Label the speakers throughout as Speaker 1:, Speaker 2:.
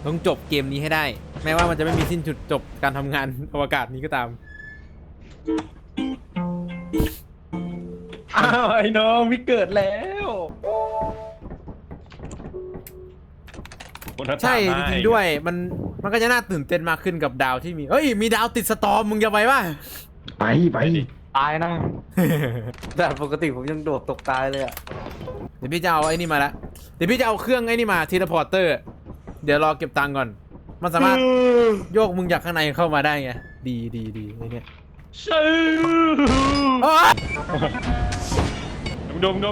Speaker 1: ต้องจบเกมนี้ให้ได้ แม้ว่ามันจะไม่มีสิ้นจุดจบการทำงานอวกาศนี้ก็ตาม
Speaker 2: อ้าวไอ้น้องพี่เกิดแล้ว
Speaker 1: ใช่จริงๆด้วยมันก็จะน่าตื่นเต้นมากขึ้นกับดาวที่มีเฮ้ยมีดาวติดสตอร์มมึงจะไปป่ะ
Speaker 3: ไป
Speaker 2: ตายนะแต่ปกติผมยังโดดตกตายเลยอ่ะ
Speaker 1: เดี๋ยวพี่จะเอาไอ้นี่มาละเดี๋ยวพี่จะเอาเครื่องไอ้นี่มาทีละพอร์เตอร์เดี๋ยวรอเก็บตังค์ก่อนมันสามารถโยกมึงจากข้างในเข้ามาได้ไงดีไอ้เนี่ย
Speaker 2: ชื่อดง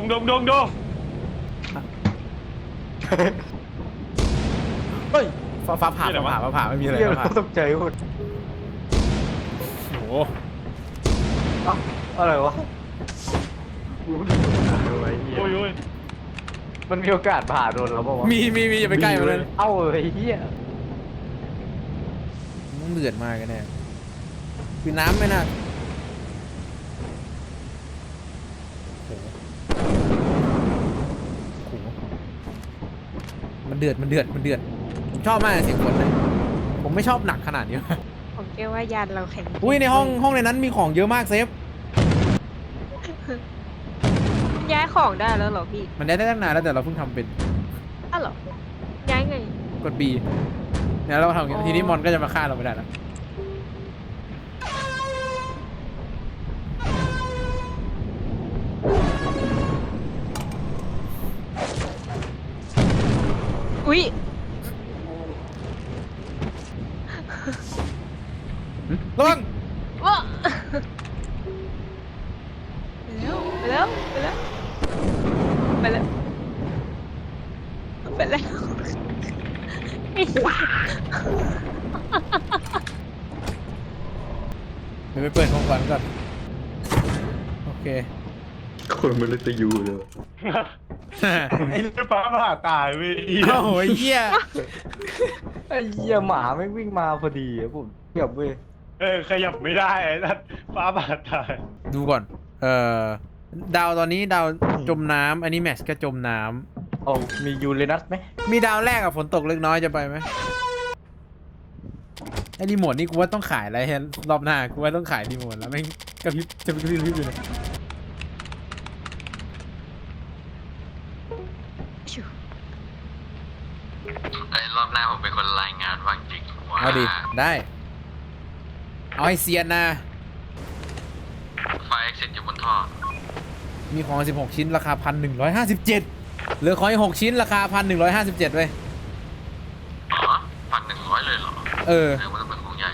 Speaker 2: เฮ้ย
Speaker 1: ฟ้าผ่าไม่มีอะไร
Speaker 2: เหี้ย
Speaker 1: ฟ้าผ่า
Speaker 2: ตกใจหมด
Speaker 1: โอ้โห
Speaker 2: อะไรวะ
Speaker 3: โอ้ย
Speaker 2: มันมีโอกาสผ่าโดนแล้วป่าวะ
Speaker 1: มีอย่าไปใกล้มันเลย
Speaker 2: เอ้าไอ้เหี้ย
Speaker 1: มึงเดือดมากกันแน่คือน้ำไม่น่าโอ้โหมันเดือดผมชอบมากเสียงฝนนะผมไม่ชอบหนักขนาดนี้
Speaker 4: ผมเชื่อว่ายานเราแข็ง
Speaker 1: อุ้ยในห้องในนั้นมีของเยอะมากเซฟ
Speaker 4: ย้ายของได้แล้วเหรอพี่
Speaker 1: มันได้ตั้งนานแล้วแต่เราเพิ่งทำเป็น
Speaker 4: อ้าวเหรอ ย้ายไง
Speaker 1: กด B เนี่ยเราทำอย่างนี้ทีนี้มอนก็จะมาฆ่าเราไม่ได้แล้ว
Speaker 4: อุ๊ย
Speaker 1: ระวัง
Speaker 4: ว้าไปแล้วไอ้เหี้ย
Speaker 1: เดี๋ยวไปเปิดของขวัญก่อนโอเค
Speaker 3: คนมันเลยจะอยู่เลย
Speaker 2: ไอ้เรื่องฟ้าผ่าตายเว้ย
Speaker 1: โอ้โหเหี้ย
Speaker 2: ไอ้เหี้ยหมาไม่งวิ่งมาพอดีอะผมเกือบเว้ยขยับไม่ได้ไอ้นั่นฟ้าผ่าตาย
Speaker 1: ดูก่อนดาวตอนนี้ดาวจมน้ำอันนี้แมชก็จมน้ำ
Speaker 2: โอ้มียูเรนัสไหม
Speaker 1: มีดาวแรกอะฝนตกเล็กน้อยจะไปไหมไอ้รีโมทนี่กูว่าต้องขายอะไรเห็นรอบหน้ากูว่าต้องขายรีโมทแล้วไม่งกระพริบจะกระพริบอยู่เลย
Speaker 5: ไอ้รอบหน้าผมเป็นคนรายงานว่างจริงว่า
Speaker 1: เอาดิได้เอาให้เซียนนะ
Speaker 5: ไฟเอ็กซิสอยู่บนท่อ
Speaker 1: มีของ16ชิ้นราคา 1,157เหลือของอีก6ชิ้นราคา 1,157เว้ย
Speaker 5: อ๋อ1,100เลยเหรอ
Speaker 1: เออ
Speaker 5: แสดงว่าต้องเป็นของใหญ่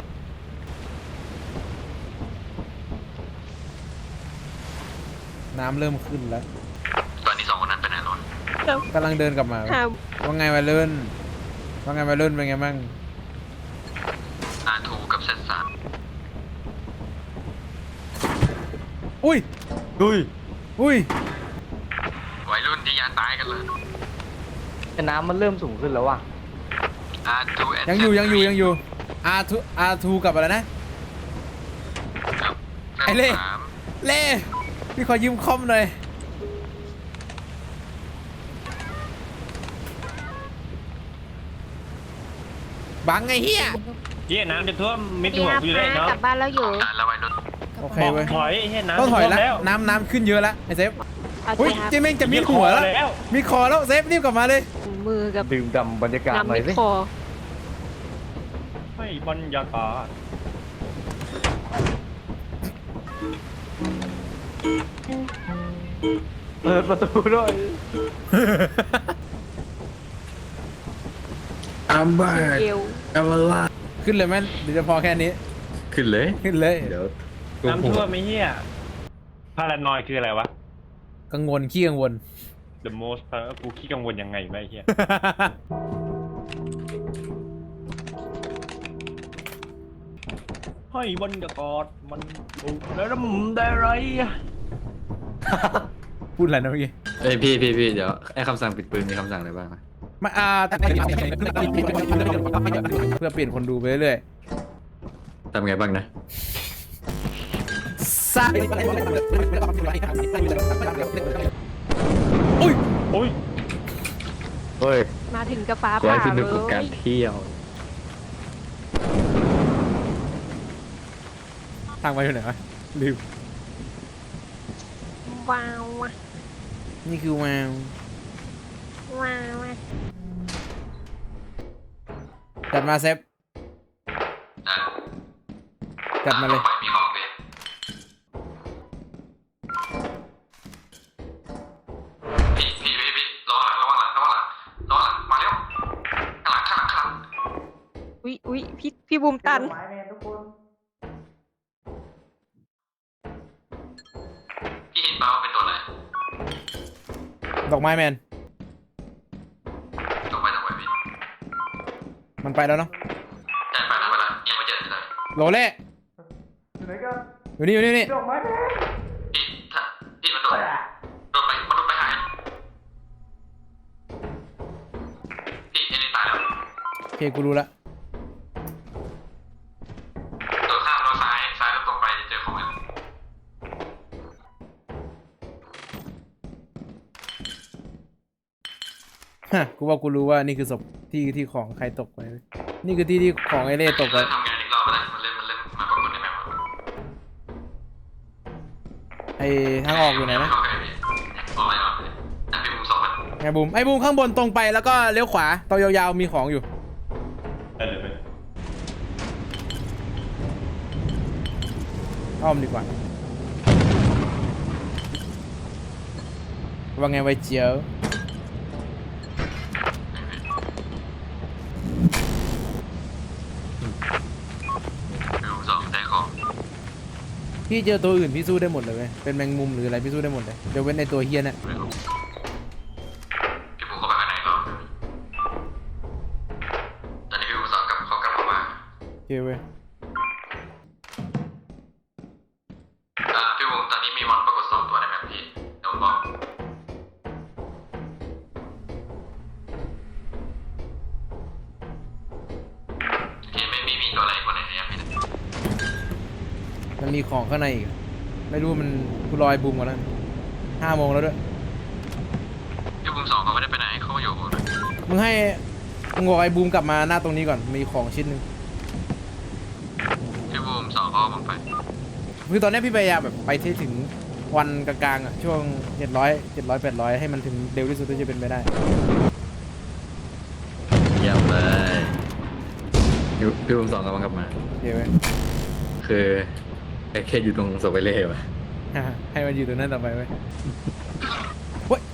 Speaker 1: น้ำเริ่มขึ้นแล้ว
Speaker 5: ตอนนี้2 คนนั้นไปไหนแล้ว
Speaker 1: กำลังเดินกลับมา
Speaker 4: หา
Speaker 1: ว่าไงวัยรุ่นเป็นไงบ้าง
Speaker 5: R2 กับเซต3
Speaker 1: อุ้ย
Speaker 5: วัยรุ่นที่ยานตายกันเลย
Speaker 2: แต่น้ำมันเริ่มสูงขึ้นแล้วว่ะ
Speaker 5: R2
Speaker 1: ยังอยู่ R2 กับอะไรนะ
Speaker 5: กับ
Speaker 1: ไอ้เล่
Speaker 5: Z3
Speaker 1: เล่พี่ขอยืมคอมหน่อยบังไงเฮีย
Speaker 6: เฮียน้ำจะท่วมมิด
Speaker 4: พี่
Speaker 6: หัว
Speaker 4: ฮับ
Speaker 6: กูอยู่ได้
Speaker 4: นะ
Speaker 6: เนาะ
Speaker 4: กลับบ้านแล้วอยู่
Speaker 5: ตายแล้ววัยรุ่น
Speaker 1: โอเค
Speaker 6: บอก
Speaker 1: เว้ย
Speaker 6: ถอยเฮียน้ำ
Speaker 1: ต้องถอย
Speaker 6: จะท่วม
Speaker 1: แล้วน้ำขึ้นเยอะแล้วไอเซฟ
Speaker 4: เอา
Speaker 1: อุ้ย
Speaker 4: สิครับ
Speaker 1: เจเม่งจะมีหัวแล้วมีคอแล้วเซฟรีบกลับมาเลย
Speaker 4: มือกับ
Speaker 2: ดื่มด่ำบรรยากาศห
Speaker 4: น้ำ
Speaker 2: น่อ
Speaker 4: มิ
Speaker 2: ย
Speaker 4: ด
Speaker 2: สิ
Speaker 4: คอ
Speaker 6: ให้บรรยากาศ
Speaker 2: เปิดประตูด้วย
Speaker 3: อัมบ้า
Speaker 4: เอว
Speaker 3: อัมลา
Speaker 1: ขึ้นเลยไหมหรือจะพอแค่นี้
Speaker 3: ขึ้นเลย
Speaker 1: ขึ้นเลย
Speaker 3: เดี๋ยว
Speaker 6: น้ำท่วมไม่เฮียพารานอยคืออะไรวะ
Speaker 1: กังวลขี้กังวล
Speaker 6: The most กูขี้กังวลยังไงไม่เฮียให้บรรยากาศมันถูกแล้วมึงได้ไรอะ
Speaker 1: พูดอะไรนะเมื่อกี้
Speaker 3: เอ้ยพี่เดี๋ยวไอ้คำสั่งปิดปืนมีคำสั่งอะไรบ้างนะ
Speaker 1: มาเพื่อเปลี่ยนคนดูไปเรื่อย
Speaker 3: ทำไงบ้างนะ
Speaker 1: ๆซ่าอุ้ย
Speaker 6: โอ้ย
Speaker 2: เฮ้ย
Speaker 4: มาถึงกับฟ้า
Speaker 3: ขอ
Speaker 4: ผ่า
Speaker 3: ให้ส
Speaker 4: เล
Speaker 3: นุกกับการ
Speaker 4: ย
Speaker 3: เที่ยว
Speaker 1: ทางไปอยู่ไหนวะลืม
Speaker 4: ว้าวว่ะ
Speaker 1: นี่คือว้าว
Speaker 4: ว้าวว่ะ
Speaker 1: จัดมาเซฟ
Speaker 5: อ่ะ
Speaker 1: จัดมาเลย
Speaker 5: ไปมีของเลยพี่ระวังหลังมาเร็วข้างหลัง
Speaker 4: อุ๊ยพี่บูมตัน
Speaker 5: พี่เห็นเปล่าว่าเป็นตัวไหน
Speaker 1: ดอกไม้แมน
Speaker 5: ตรงไปพี่
Speaker 1: มันไปแล้วเนาะ
Speaker 5: ใช่ไปแล้วยังไม่เจอเลย
Speaker 1: โรเล่อยู่นี่
Speaker 5: พี่ถ้าพี่มันโดนไปหายพี่เอ็นตายแล้ว
Speaker 1: โอเคกูรู้ละ
Speaker 5: ตัวข้ามเราซ้ายแล้วตรงไปเจอของมัน
Speaker 1: ฮะกูว่ากูรู้ว่านี่คือศพที่ของใครตกไปเว้ยนี่คือที่ของไอเล่ตกไป
Speaker 5: ทำงานอีกรอบไปเลยมันเล่นมาปรากฏในแมป
Speaker 1: ไอทางออกอยู่ไหนนะ
Speaker 5: โอเคพี่ออกไปแต่พี่มุมสองมัน
Speaker 1: ไอบูมข้างบนตรงไปแล้วก็เลี้ยวขวาตัวยาวๆมีของอยู่
Speaker 2: ได้เลยไป
Speaker 1: อ้อมดีกว่าว่าไงไวเจียว
Speaker 5: พี่มุมสองได้ของ
Speaker 1: พี่เจอตัวอื่นพี่สู้ได้หมดเลยเว้ยเป็นแมงมุมหรืออะไรพี่สู้ได้หมดเลยเดี๋ยวเว้นในตัวเฮียเนี่ย
Speaker 5: พี่มุมเข้าไปข้างในรอบตอนนี้พี่มุมสองเขากลับมา
Speaker 1: โอเคเว้ย
Speaker 5: พี่มุมตอนนี้มีมอนปรากฏ2 ตัวในแมปพี่เดี๋ยวผมบอกโอเคไม่มีตัวอะไรคนไหนเนี่ยพี่
Speaker 1: มันมีของข้างในอีกอะไม่รู้มันกูรอไอ้บูมก่อนแล้ว5 โมงแล้วด้วย
Speaker 5: พี่มุมสองเขาไม่ได้ไปไหนเขาอยู่
Speaker 1: มึงบอกไอ้บูมกลับมาหน้าตรงนี้ก่อนมีของชิ้นหนึ่ง
Speaker 5: พี่มุมสองเขาผมไป
Speaker 1: คือตอนนี้พี่พยายามแบบไปที่ถึงวันกลางๆอ่ะช่วง700 800ให้มันถึงเร็วที่สุดที่จะเป็นไปได้
Speaker 3: เยี่ยมเลยพี่ผมสองกำลังกลับมา
Speaker 1: โอเคเว้ย
Speaker 3: คือแค่อยู่ตรงโซเวเล่ว่ะ
Speaker 1: ให้มันอยู่ตรงนั้นต่อไปเว้ยเฮ้ย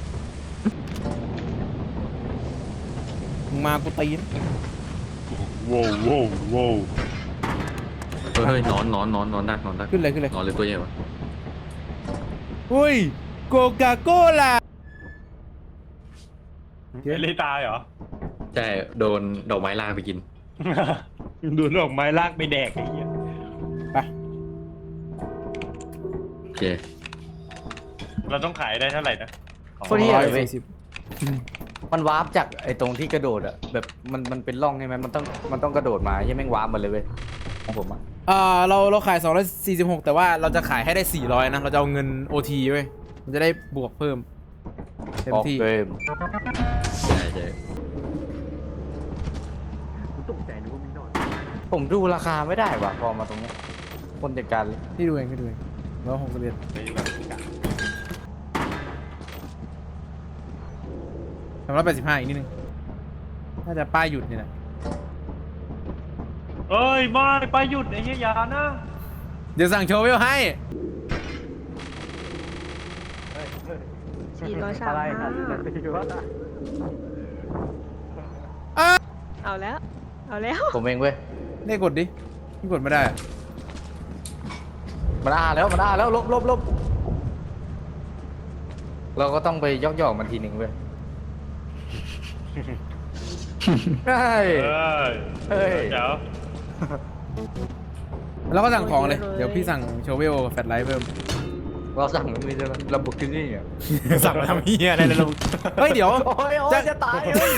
Speaker 1: มึงมากูตีน
Speaker 2: โว้ว
Speaker 3: เฮ้ยนอนดัก
Speaker 1: ขึ้นเลย
Speaker 3: นอนเลยตัวใหญ่วะ
Speaker 1: เฮ้ยโกกาโกล่า
Speaker 2: เอลิตายเหรอ
Speaker 3: ใช่โดนดอกไม้ลากไปกิน
Speaker 2: ดูดอกไม้ลากไปแดกไอ้เหี้ย
Speaker 1: ไป
Speaker 3: โอเค
Speaker 2: เราต้องขายได้เท่าไหร่นะ
Speaker 7: โคตรเหี้ยเลยเว้ย
Speaker 1: 140
Speaker 7: มันวาร์ปจากไอ้ตรงที่กระโดดอะแบบมันเป็นร่องใช่ไหมมันต้องกระโดดมาใช่แม่งวาร์ปมาเลยเว้ยของผมอะ
Speaker 1: เราขาย246แต่ว่าเราจะขายให้ได้400นะเราจะเอาเงิน OT เว้ยมันจะได้บวกเพิ่มเต็ม
Speaker 7: ออก
Speaker 1: ที่
Speaker 7: เกม
Speaker 3: ใช่
Speaker 7: ผมดูราคาไม่ได้ว่ะพอมาตรงเนี้ยคนจัดการเลย
Speaker 1: พี่ดูเอง161385อีกนิดนึงน่าจะป้ายหยุดนี่แหละ
Speaker 2: เอ้ยไม่ไปหยุดไอ้เหี้ยอย่านะ
Speaker 1: เดี๋ยวสั่งโชว์วิวให้
Speaker 4: เอาแล้ว
Speaker 7: ผมเองเว้ย
Speaker 1: ได้กดดิพี่กดไม่ได้อะ
Speaker 7: มันอ้าแล้วลบเราก็ต้องไปยอกมันทีหนึ่งเว้ยเฮ้ย เฮ้ย
Speaker 2: เดี๋ยว
Speaker 1: แล้วก็สั่งของเลย
Speaker 4: โอ้ย
Speaker 1: เดี๋ยวพี่สั่งโชว์วิวกับแฟลชไลท์เพิ่ม
Speaker 7: เราสั่งมันไม่ใช่ไหมเราบุกที่นี่อ่ะ
Speaker 1: สั่งมาทำเฮียอะไรเลยเราเฮ้ยเดี๋ยว
Speaker 7: โอ้ยจะตายเลย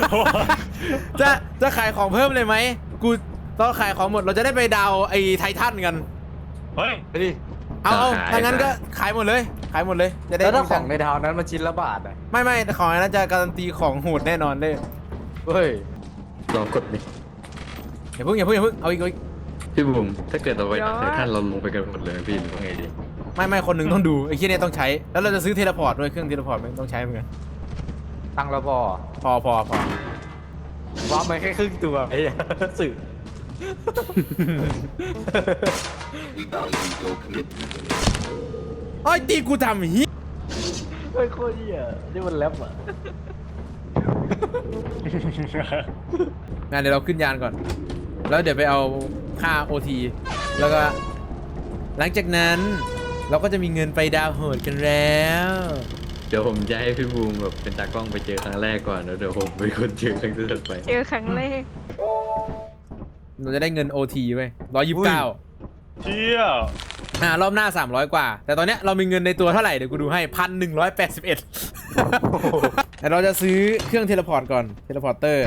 Speaker 1: จะขายของเพิ่มเลยไหมกูตอนขายของหมดเราจะได้ไปดาวไอ้ไททันกัน
Speaker 2: เฮ้ย
Speaker 7: ไปดิ
Speaker 1: เอาถ้างั้นก็ขายหมดเลยขายหมดเลยจะได้
Speaker 7: แล้วถ้า
Speaker 1: มี
Speaker 7: ข
Speaker 1: ตั
Speaker 7: อง
Speaker 1: ค์
Speaker 7: ในดาวนั้นมันชิ้นละบาทอ่ะ
Speaker 1: ไม่ของอันนั้นจะการันตีของโหดแน่นอนเลย
Speaker 7: เฮ้ย
Speaker 3: ลองกดดิ
Speaker 1: อย่าเพิ่งเอาอีก
Speaker 3: พี่บุ๋มถ้าเกิดเราไปหาไททันเราลงไปกันหมดเลยพี่หรือว่าไงดี
Speaker 1: ไม่คนหนึ่งต้องดูไอ้ที่เนี่ยต้องใช้แล้วเราจะซื้อเทเลพอร์ตด้วยเครื่องเทเลพอร์ตมันต้องใช้เหมือนกัน
Speaker 7: ตังค์เราพอ
Speaker 1: พอ
Speaker 7: ว้ามันแค่ครึ่งตัวไอ้เหี้ยสื่อ
Speaker 1: เอ้ยตีกูทำเฮีย
Speaker 7: เฮ้ยโคตรเหี้ยนี่มันแรปอ่ะ
Speaker 1: งานเดี๋ยวเราขึ้นยานก่อน แล้วเดี๋ยวไปเอาค่า OT แล้วก็ หลังจากนั้นเราก็จะมีเงินไปดาวน์โหดกันแล้ว
Speaker 3: เดี๋ยวผมจะให้พี่บูมแบบเป็นตากล้องไปเจอครั้งแรกก่อนแล้วเดี๋ยวผมเป็นคนเจอครั้งที่ถัดไป
Speaker 4: เจอครั้งแรก
Speaker 1: เราจะได้เงิน OT ไว้129
Speaker 2: เชี่ย
Speaker 1: รอบหน้า300กว่า แต่ตอนเนี้ยเรามีเงินในตัวเท่าไหร่เดี๋ยวกูดูให้1,181แต่เราจะซื้อเครื่องเทเลพอร์ตก่อนเทเลพอร์เตอร์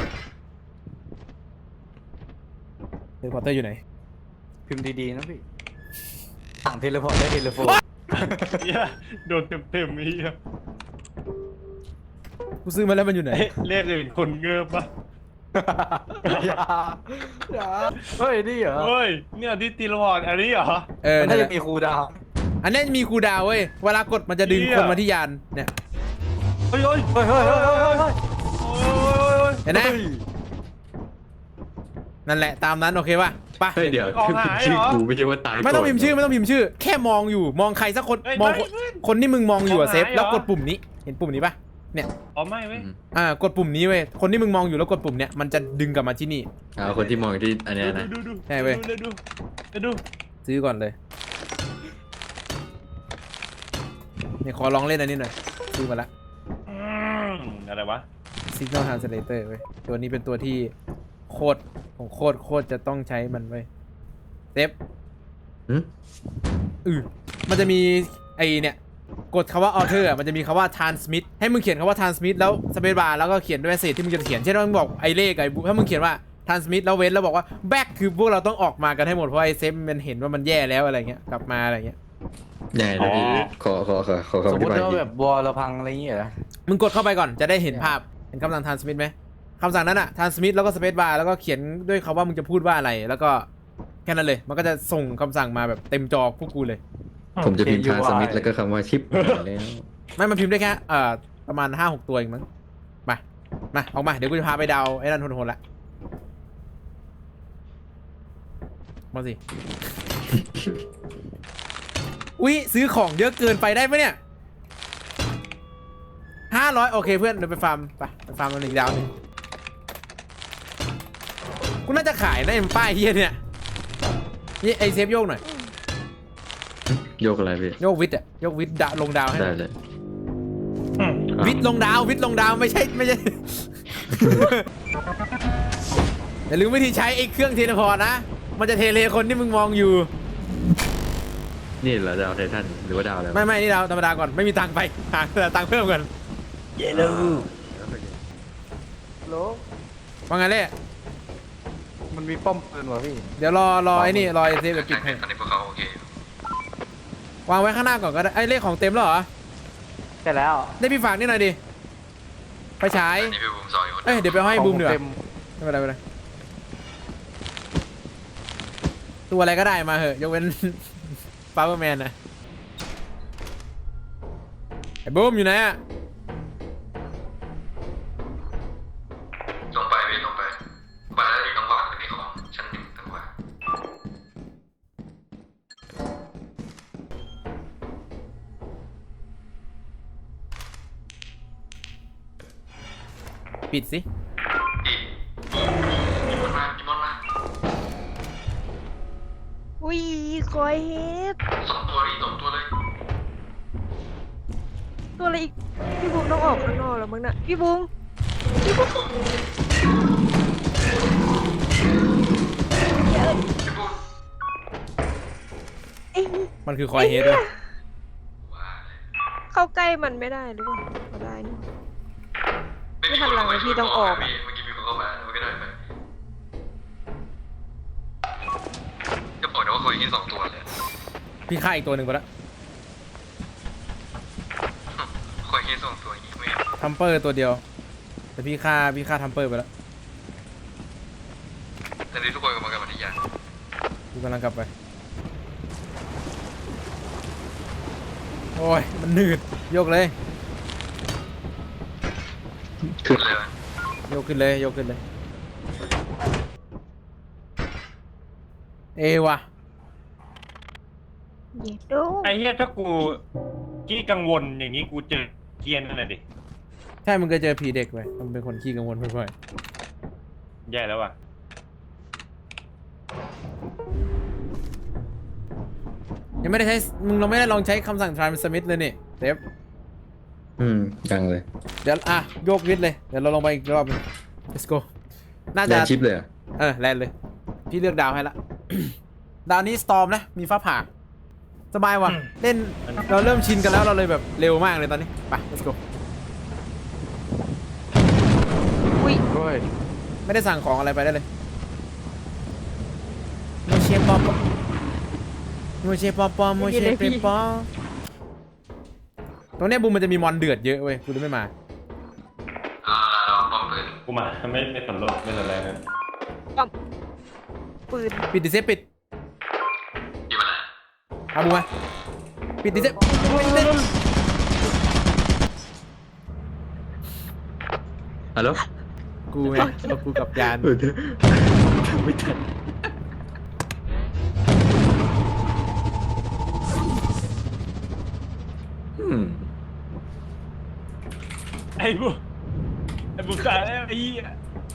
Speaker 1: อยู่ไหน
Speaker 7: พิมพ์ดีๆนะพี่สั่งเทเลพอร์ตได้เทเลโฟน
Speaker 2: เชี่ยโดนเต็มๆไอ้เหี้ย
Speaker 1: กูซื้อมาแล้วมันอยู่ไหน
Speaker 2: เรียกอื่นคนเงือบปะ
Speaker 7: อย่าเฮ้ยนี่เหรอ
Speaker 2: เฮ้ยเนี่ยที่ตีละครอันนี้เหรอ
Speaker 7: มัน
Speaker 1: นั่
Speaker 7: น่าน
Speaker 1: แห
Speaker 7: จะ
Speaker 1: ละ
Speaker 7: มีครูดาว
Speaker 1: อันนี้มีคูลดาวน์เว้ยเวลากดมันจะดึง
Speaker 2: เหี้ย
Speaker 1: คนมาที่ยานเนี่ย
Speaker 2: เฮ้ย
Speaker 7: เฮ้ย
Speaker 1: เห็นไหมนั่นแหละตามนั้นโอเคป่ะไป
Speaker 3: เฮ้ยเดี๋ยวพี่พิมพ์ชื่อกูไม่ใช่ว่าตาย
Speaker 1: ไม่ต้องพิมพ์ชื่อ
Speaker 3: ก่น
Speaker 1: ไม่ต้องพิมพ์ชื่อ แค่มองอยู่มองใครสักคน
Speaker 2: เฮ้ย
Speaker 1: มอง
Speaker 2: ไม่
Speaker 1: คนที่มึงมองอยู่อะ
Speaker 2: มองหา
Speaker 1: เซฟแล้ว
Speaker 2: เหรอ
Speaker 1: กดปุ่มนี้เห็นปุ่มนี้ป่ะเนี่ย
Speaker 2: อ๋อไม่เว้ย
Speaker 1: กดปุ่มนี้เว้ยคนที่มึงมองอยู่แล้วกดปุ่มเนี้ยมันจะดึงกลับมาที่นี่
Speaker 3: เอาคนที่มองที่อันเนี้ยนะ
Speaker 2: ดู
Speaker 1: ใช่เว้ย
Speaker 2: ดู
Speaker 1: ซื้อก่อนเลยเนี่ยขอลองเล่นอันนี้หน่อยซื้อมาละ
Speaker 2: อะไรวะ
Speaker 1: Signal Translator เว้ยตัวนี้เป็นตัวที่โคตรจะต้องใช้มันเว้ยเซฟ
Speaker 3: หึ
Speaker 1: มันจะมีไอเนี่ยกดคำว่า alter อ่ะมันจะมีคำว่า transmit ให้มึงเขียนคำว่า transmit แล้ว space bar แล้วก็เขียนด้วยเศษที่มึงจะเขียนเช่นว่ามึงบอกไอเลขไอถ้ามึงเขียนว่า transmit แล้วเว้นแล้วบอกว่า back คือพวกเราต้องออกมากันให้หมดเพราะไอเซฟมันเห็นว่ามันแย่แล้วอะไรเงี้ยกลับมาอะไรเงี้ย
Speaker 3: ใหญ่นะพี่ขอ
Speaker 7: สม
Speaker 3: คำอ
Speaker 7: ม
Speaker 3: ธิ
Speaker 7: ติ
Speaker 3: บาย
Speaker 7: ว่า
Speaker 3: ที
Speaker 7: แบบวอลเราพังอะไรอย่างเงี้ยเหรอ
Speaker 1: มึงกดเข้าไปก่อนจะได้เห็นภาพเห็นคำสั่ง transmit ไหมคำสั่งนั้นอะ transmit แล้วก็ space bar แล้วก็เขียนด้วยคำว่ามึงจะพูดว่าอะไรแล้วก็แค่นั้นเลยมันก็จะส่งคำสั่งมาแบบเต็มจอพวกกูเลย
Speaker 3: ผมจะพิมพ์ทางสมิธแล้วก็คำว่าชิปแล้ว
Speaker 1: ไม่มันพิมพ์ได้แค่ประมาณ 5-6 ตัวเองมั้งมาออกมาเดี๋ยวกูจะพาไปดาวไอ้นั่นโหดๆละมาสิ อุ๊ยซื้อของเยอะเกินไปได้ปะเนี่ย500โอเคเพื่อนเดี๋ยวไปฟาร์มไปฟาร์มมันอีกดาวหนึงกูน่าจะขายนะไอ้ป้ายเฮียเนี่ยนี่ไอเซฟโยกหน่อย
Speaker 3: โยกอะไรพี่
Speaker 1: โยกวิทย์อะโยกวิทย์ลงดาวให้ห
Speaker 3: ได้
Speaker 1: น่อย
Speaker 3: เลย
Speaker 1: วิทย์ลงดาวไม่ใช่ อย่าลืมวิธีใช้ไอ้เครื่องเทเลพอร์ตนะ มันจะเทเลคนที่มึงมองอยู่
Speaker 3: นี่เหรอดาวไททันหรือว่าดาวอะไรวะ
Speaker 1: ไม่นี่ดาวธรรมดาก่อนไม่มีตังค์ไปหาตังค์เพิ่มก่อน
Speaker 7: เยลูโล
Speaker 1: ว่าไงเล่
Speaker 7: มันมีป้อมปืนวะพี่
Speaker 1: เดี๋ยวรอไอ้นี่รอไอ้เซฟเดี๋ยวปิดให้
Speaker 5: ตอนนี้พวกเขาโอเคว
Speaker 1: างไว้ข้างหน้าก่อนก็ได้ไอ้เลขของเต็มแล้วเหรอ
Speaker 7: ใช่แล้ว
Speaker 1: ได้พี่ฝากนี่หน่อยดิไปฉาย
Speaker 5: นี่พี่บูมซอยอยู่คน
Speaker 1: เอ้ยเดี๋ยวไปให้บูมเดี๋ยวา
Speaker 7: ต็
Speaker 1: ไม่เป็นไรไม่เป็นไรตัวอะไรก็ได้มาเหอะยกเว้น ฟาเวอร์แมนนะไอ้บูมอยู่ไหนอะ
Speaker 5: ลงไปพี่ลงไปแล้วที่ต้องวางเป็นที่ของชั้นหนึ่งต้องวาง
Speaker 1: ปิดสิ
Speaker 5: อีกมีมอนมา
Speaker 4: อุ้ยคอยเฮด
Speaker 5: สองตัวเลย
Speaker 4: ตัวอะไรอีกพี่บูมต้องออกข้างนอกแล้วมั้งน่ะพี่บูมเอ้ย
Speaker 1: มันคือคอยเฮดด้วย
Speaker 4: เข้าใกล้มันไม่ได้หรือเปล่าก็ได้นี่ ไม่ทันหลังเลยพี่ต้องออกอะ
Speaker 5: เมื่อกี้มีคนเข้ามามันก็ได้ไปก็บอกนะว่าเขายิง2 ตัวเลย
Speaker 1: พี่ฆ่าอีกตัวหนึ่งไปแล้ว
Speaker 5: เงี้ยส่งตัวอย่างงี้ไม่
Speaker 1: ทัมเปอร์ตัวเดียว แต่พี่ฆ่าทัมเปอร์ไปแล้ว
Speaker 5: แต่นี้ทุกคนกำลังกันมาที่ยาน
Speaker 1: กูกำลังกลับไป โอ้ย มันหนืดยกเลย
Speaker 5: ขึ้นเลยไหม
Speaker 1: ยกขึ้นเลยยกขึ้นเลย เอวะ
Speaker 4: เย็ดดู
Speaker 2: ไอ้เหี้ยถ้ากูกี้กังวลอย่างนี้กูเจอเกียนนั่นแหละดิ
Speaker 1: ใช่มึงเคยเจอผีเด็กไหมมันเป็นคนขี้กังวลบ่อย
Speaker 2: แย่แล้วว่ะ
Speaker 1: ๆยังไม่ได้ใช้เราไม่ได้ลองใช้คำสั่ง transmit เลยนี่เดฟ
Speaker 3: ยังเลย
Speaker 1: เดี๋ยวโยกวิดเลยเดี๋ยวเราลงไปอีกรอบหนึง let's go น่า
Speaker 3: แล
Speaker 1: จะ
Speaker 3: นชิปเลยเหรอ
Speaker 1: แลนเลย พี่เลือกดาวให้ละ ดาวนี้ storm นะ มีฟ้าผ่า สบายว่ะ เล่น เราเริ่มชินกันแล้วเราเลยแบบเร็วมากเลยตอนนี้ ไป let's go
Speaker 4: อุ้ย
Speaker 7: โอ้ย
Speaker 1: ไม่ได้สั่งของอะไรไปได้เลยโมเชปอปโมเชปอปโมเชเปปอตรงเนี้ยบูมมันจะมีมอนเดือดเยอะเว้ยกูเลยไม่มา
Speaker 5: เราป้อมปืน
Speaker 2: กูมาไม่สนโลกไม่สนอะไรนั้น
Speaker 4: ปืน
Speaker 1: ปิดดิเซปปิด
Speaker 5: อยู่ไปไหน
Speaker 1: เอาบูมมาปิดดิเซป
Speaker 3: ฮัลโหล
Speaker 1: กูไงเอากูกับยาน
Speaker 3: ไม่ทัน
Speaker 2: ไอ้บุกตายแล้วไอ้เหี้ย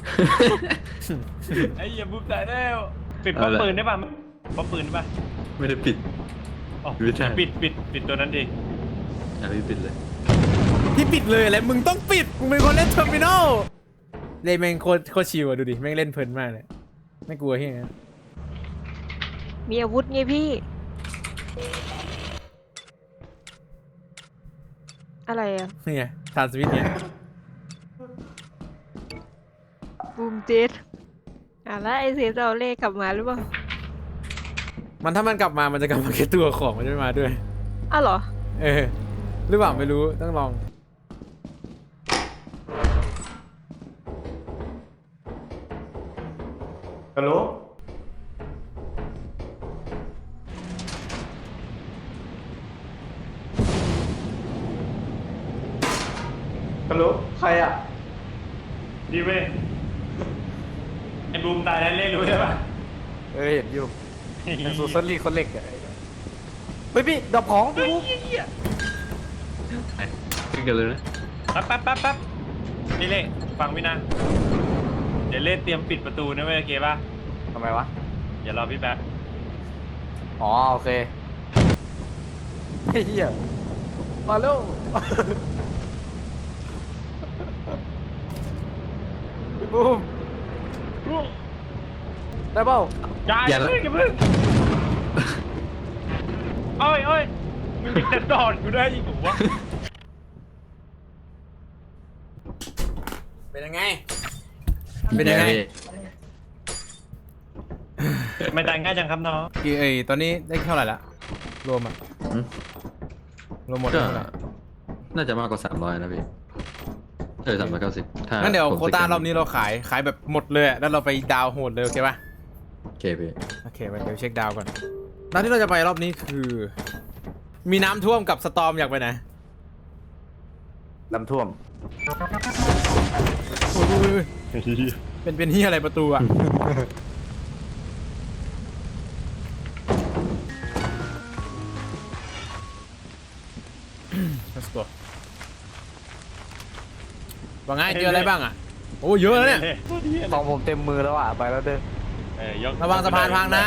Speaker 2: ไอ้เหี้ยบุกตายแล้วปิดป้อมปืนได้ป่ะป้อมปืนได้ป่ะ
Speaker 3: ไม่ได้ปิด
Speaker 2: อ๋อ
Speaker 3: ไม่ใช่
Speaker 2: ปิดตัวนั้นดิ
Speaker 3: ยังไม่ปิดเลย
Speaker 1: ที่ปิดเลยอะไรมึงต้องปิดมึงเป็นคนเล่นเทอร์มินอลเล่นแม่งโคตรชิวอะดูดิแม่งเล่นเพลินมากเลยไม่กลัวที่ไหน
Speaker 4: มีอาวุธไงพี่ อะไรอ่ะ
Speaker 1: นี่ไงทานสวิตเนี่ย
Speaker 4: บูมเจ็ดแล้วไอเซฟจะเอาเลขกลับมาหรือเปล่า
Speaker 1: มันถ้ามันกลับมามันจะกลับมาแค่ตัวของมันจะไม่มาด้วย
Speaker 4: อ้าวเหรอ
Speaker 1: หรือเปล่าไม่รู้ต้องลอง
Speaker 2: ฮัลโหลฮัลโหลใครอ่ะดีเว้ยไอ้บูมตายแล้วเล่นรู้ใช่ป่ะ
Speaker 7: เห็นอยู่เป็นซูซันลี่คนเล็กอะเฮ้ยพี่ดับของพี่บุ๊ค
Speaker 3: ขึ้นกันเลยนะ
Speaker 2: แป๊บนี่เล่ฟังพี่นะเดี๋ยวเล่เตรียมปิดประตูนะเว้ยโอเคป่ะ
Speaker 7: ทำไมวะ
Speaker 2: อย่ารอพี่แป๊บ
Speaker 7: อ๋อโอเคเฮียมาเร็วพี่บูมได้เปล่า
Speaker 2: อย่าเพิ่งโอ้ยมึงจะดอดกูได้อีกวะ
Speaker 1: เป็นยังไง เป็นยังไง
Speaker 2: ไม่ตายง่ายจังครับน้อง
Speaker 1: ตอนนี้ได้เท่าไหร่ละรวมอะรวมหมด
Speaker 3: ก็
Speaker 1: เท่าไหร่
Speaker 3: น่าจะมากกว่า300นะพี่390ถ้า
Speaker 1: งั้นเดี๋ยว
Speaker 3: ผม
Speaker 1: โควต้า
Speaker 3: สแกน
Speaker 1: รอบนี้เราขายแบบหมดเลยอะแล้วเราไปดาวโหดเลยโอเคป่ะ
Speaker 3: โอเคพี่
Speaker 1: โอเคไปเดี๋ยวเช็คดาวก่อนร้านที่เราจะไปรอบนี้คือ มีน้ำท่วมกับสตอร์มอยากไปไหน
Speaker 7: น้ำท่วม
Speaker 1: โอ้ยเป็นเฮียอะไรประตูอะ Let's go ว่าไงเจออะไรบ้างอะโอ้เยอะแล้วเนี่ย
Speaker 7: ของผมเต็มมือแล้วอ่ะไปแล้วเด้อ
Speaker 1: ระวังสะพานพังนะ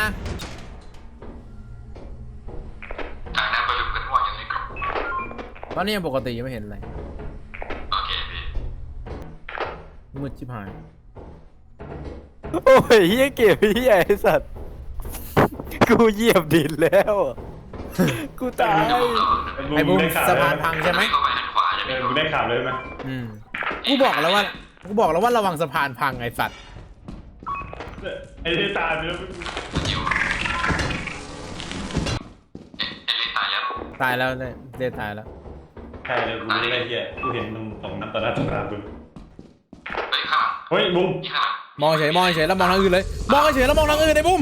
Speaker 5: ทางนั้นประชุมกันว่าอย่างไรครับ
Speaker 1: ตอนนี้ยังปกติยังไม่เห็นอะไร
Speaker 5: โอเคพี่
Speaker 1: มืดชิบหาย
Speaker 7: โอ้ยเฮียเก็บเฮียไอสัตว์กูเหยียบดินแล้วกูตาย
Speaker 1: ไอ้บูมสะพานพังใช่ไหม
Speaker 5: เข้าไปทางขวาจะมี
Speaker 2: มึงได้ข่าวเลยไหม
Speaker 1: กูบอกแล้วว่าระวังสะพานพังไอ้สัตว์
Speaker 2: ไอ้ที่ตายไปแล้ว
Speaker 5: มันอยู่ไอ้เล่นตายยัง
Speaker 1: ตายแล้วเนี่ยเดตายแล้ว
Speaker 2: ใช่เลยกูรู้อะไรเหี้ยกูเห็นมันตรงน้ำตาตรงน้ำมึง
Speaker 5: เฮ้ยข้างหลัง
Speaker 2: เฮ้ยบุ้ม
Speaker 5: นี่ข้างหลัง
Speaker 1: มองเฉยแล้วมองทางอื่นเลย มองเฉยแล้วมองทางอื่นไอ้บุ้ม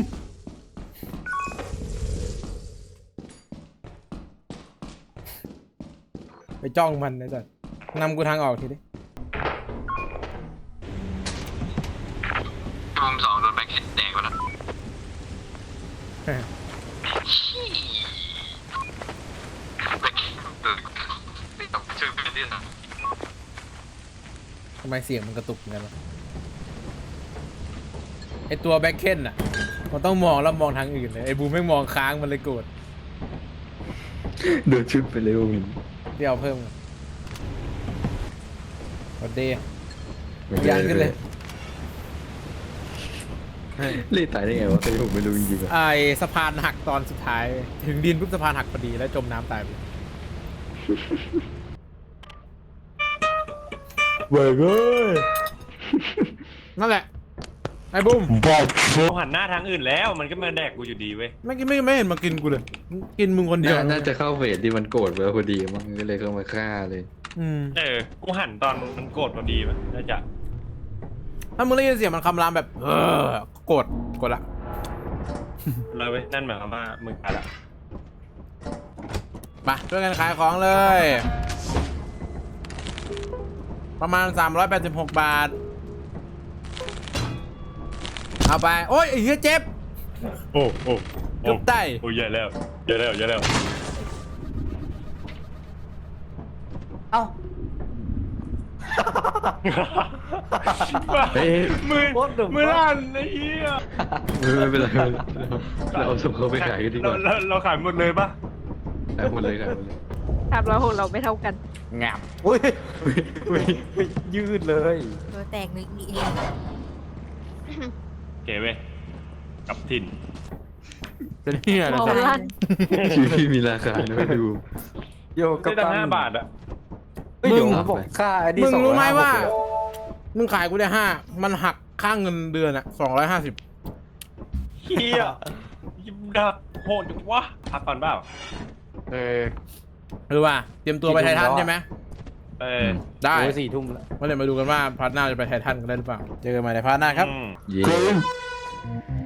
Speaker 1: ไปจ้องมันนะจ๊ะนำกูทางออกทีดิ
Speaker 5: พี่บูม2โดนแบงค์เฮดแดกไปแล้วแบงค์ไม่ต้องเชิญไปเรื่อยนะ
Speaker 1: ทำไมเสียงมันกระตุกเหมือนกันวะไอตัวแบ็คเคนอ่ะมันต้องมองแล้วมองทางอื่นเลยไอบูมไม่มองค้างมันเลยโกรธ
Speaker 3: โดนชุดไปเลยผม
Speaker 1: เดี๋ยวเพิ่มกดเดย์ยันขึ้นเลย
Speaker 3: เล่นตายได้ไงวะเคยผมไม่รู้จริงๆอะ
Speaker 1: ไอสะพานหักตอนสุดท้าย ถึงดินปุ๊บสะพานหักพอดีแล้วจมน้ำตายไป
Speaker 7: เบิกเอ้ย
Speaker 1: นั่นแหละไอ้บุ้ม
Speaker 2: กูหันหน้าทางอื่นแล้วมันก็มาแดกกูอยู่ดีเว้ย
Speaker 1: ไม่เห็นมากินกูเลย กินมึงคนเดียว
Speaker 3: น่าจะเข้าเฟสที่มันโกรธไปพอดีมั้งก็เลยเข้ามาฆ่าเลย
Speaker 2: กูหันตอนมันโกรธพอดีมั้ยน่าจะ
Speaker 1: ถ้ามึงได้ยินเสียงมันคำรามแบบโกรธละ
Speaker 2: เลยเว้ยนั่นหมายความว่ามึงตายละ
Speaker 1: มาช่วยกันขายของเลย ประมาณ386 บาท เอาไป โอ้ยไอ้เหี้ยเจ็บ
Speaker 2: โอ้โอ้
Speaker 1: เกือบตาย
Speaker 2: โอ้ยใหญ่แล้วใหญ่แล้ว
Speaker 7: เอ้า
Speaker 3: เฮ้ย
Speaker 2: มือลั่นไอ้เหี้ย
Speaker 3: ไม่เป็นไรเราเอาศพเขาไปขายกันดีกว่า
Speaker 2: เราขายหมดเลยปะ
Speaker 3: ขายหมดเลยขายหมดเลย
Speaker 4: ทำเราของเราไม่เท่ากัน
Speaker 7: งับอุ้ยยืดเลย
Speaker 4: ตัวแตกหนึ่งนี่เอง
Speaker 2: เก๋เว้ยกับถิ่น
Speaker 1: เป็นเหี้ยอะไร
Speaker 4: มอง
Speaker 1: สัก
Speaker 4: ลั่น
Speaker 3: ชีวิตที่มีราคาด้วยดู
Speaker 7: โยก
Speaker 2: ได้
Speaker 7: กับ
Speaker 2: ตั้ง
Speaker 7: ตัน
Speaker 2: 5 บาทอะ
Speaker 7: ไม่โยกบอกค่าไอ้นี่
Speaker 1: มึงรู้ไหมว่า
Speaker 7: 256เลยอะ
Speaker 1: มึงขายกูได้5มันหักค่าเงินเดือนอะ250
Speaker 2: เหี้ยยิ้มดักโหดจังวะพักก่อนเปล่า
Speaker 7: เออ
Speaker 1: หรือว่าเตรียมตัวไปไททันใช่ไหม ได้
Speaker 7: โอ้ย4 ทุ่มแล้ว
Speaker 1: มาเดี๋ยวมาดูกันว่าพาร์ทหน้าจะไปไททันกันได้หรือเปล่า เจอกันใหม่ในพาร์ทหน้าครับ
Speaker 2: อืม
Speaker 3: เย้